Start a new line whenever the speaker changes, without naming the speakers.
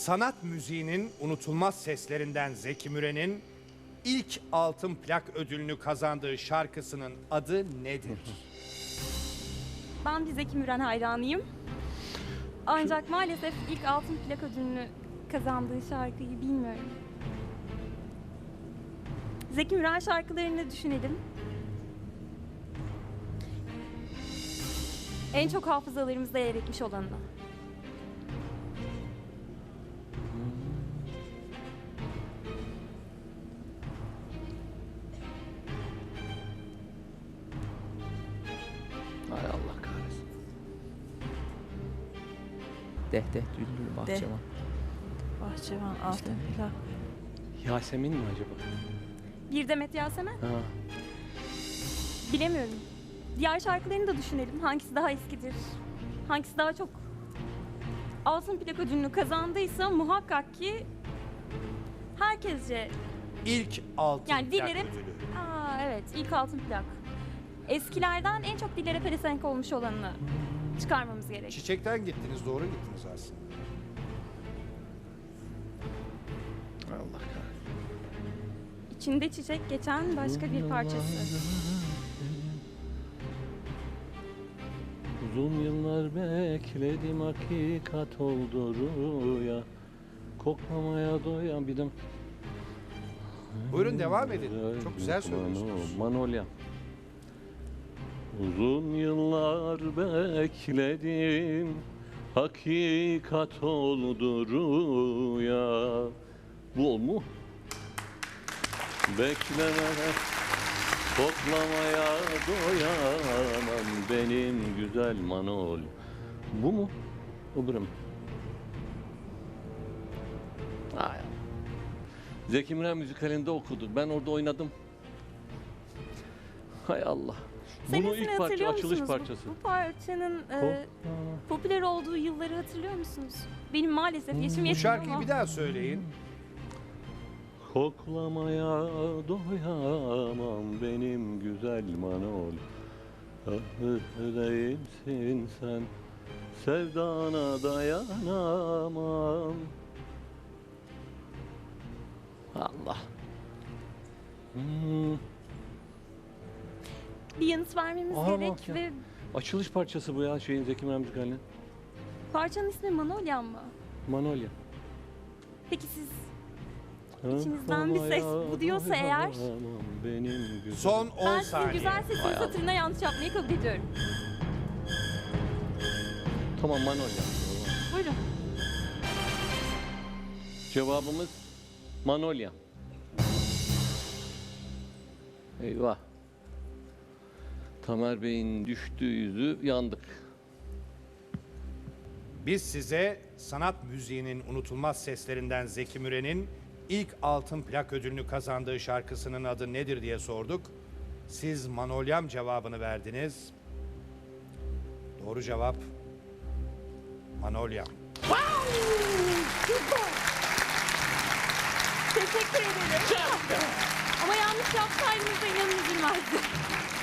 Sanat müziğinin unutulmaz seslerinden Zeki Müren'in ilk altın plak ödülünü kazandığı şarkısının adı nedir?
Ben bir Zeki Müren hayranıyım. Ancak maalesef ilk altın plak ödülünü kazandığı şarkıyı bilmiyorum. Zeki Müren şarkılarını düşünelim. En çok hafızalarımızda yer etmiş olanı.
Hay Allah kahretsin. Deh düldül bahçıvan.
Bahçıvan altın plak.
Yasemin mi acaba?
Bir Demet Yasemen?
Ha.
Bilemiyorum. Diğer şarkılarını da düşünelim. Hangisi daha eskidir? Hangisi daha çok altın plak ödülünü kazandıysa muhakkak ki herkesce,
İlk altın
yani
plak
dillere...
ödülü.
Evet, ilk altın plak. Eskilerden en çok dillere pelesenk olmuş olanını çıkarmamız gerek.
Çiçekten gittiniz, doğru gittiniz aslında.
Allah kahretsin.
İçinde çiçek geçen başka bir parçası.
Uzun yıllar bekledim, hakikat oldu rüya. Koklamaya doyan bir de...
Buyurun devam edin. Çok güzel söylüyorsunuz.
Manolya. Uzun yıllar bekledim, hakikat oldu rüya. Bu o mu? Beklemene, koklamaya doyamam benim güzel Manol. Bu mu? Öbürü mü? Ay. Zeki Müren müzikalinde okudu. Ben orada oynadım. Hay Allah. Bunun
Senesini
ilk parça,
hatırlıyor
açılış
musunuz?
parçası.
Bu parçanın popüler olduğu yılları hatırlıyor musunuz? Benim maalesef yaşım
Bu
yetmiyor
şarkıyı
ama.
bir daha söyleyin.
Koklamaya doyamam benim güzel Manol. Değilsin sen, sevdana dayanamam. Allah.
Bir yanıt vermemiz
Aa,
gerek
bak ya.
ve
Açılış parçası bu ya şeyin, Zeki Müren müzikalinin.
parçanın ismi Manolyan mı?
Manolya.
Peki siz İçinizden bir ses bu diyorsa eğer-
Benim güzel.
Son 10
ben sizin
saniye.
güzel sesiniz
Hay Allah.
hatırına yanlış yapmayı kabul ediyorum.
Tamam, Manolya.
Buyurun.
Cevabımız Manolya. Eyvah. Tamer Bey'in düştüğü yüzü yandık.
Biz size sanat müziğinin unutulmaz seslerinden Zeki Müren'in ilk altın plak ödülünü kazandığı şarkısının adı nedir diye sorduk. Siz Manolyam cevabını verdiniz. Doğru cevap Manolyam.
Teşekkür ederim. Ama yanlış yapsaydınız da inanın üzülmezdi.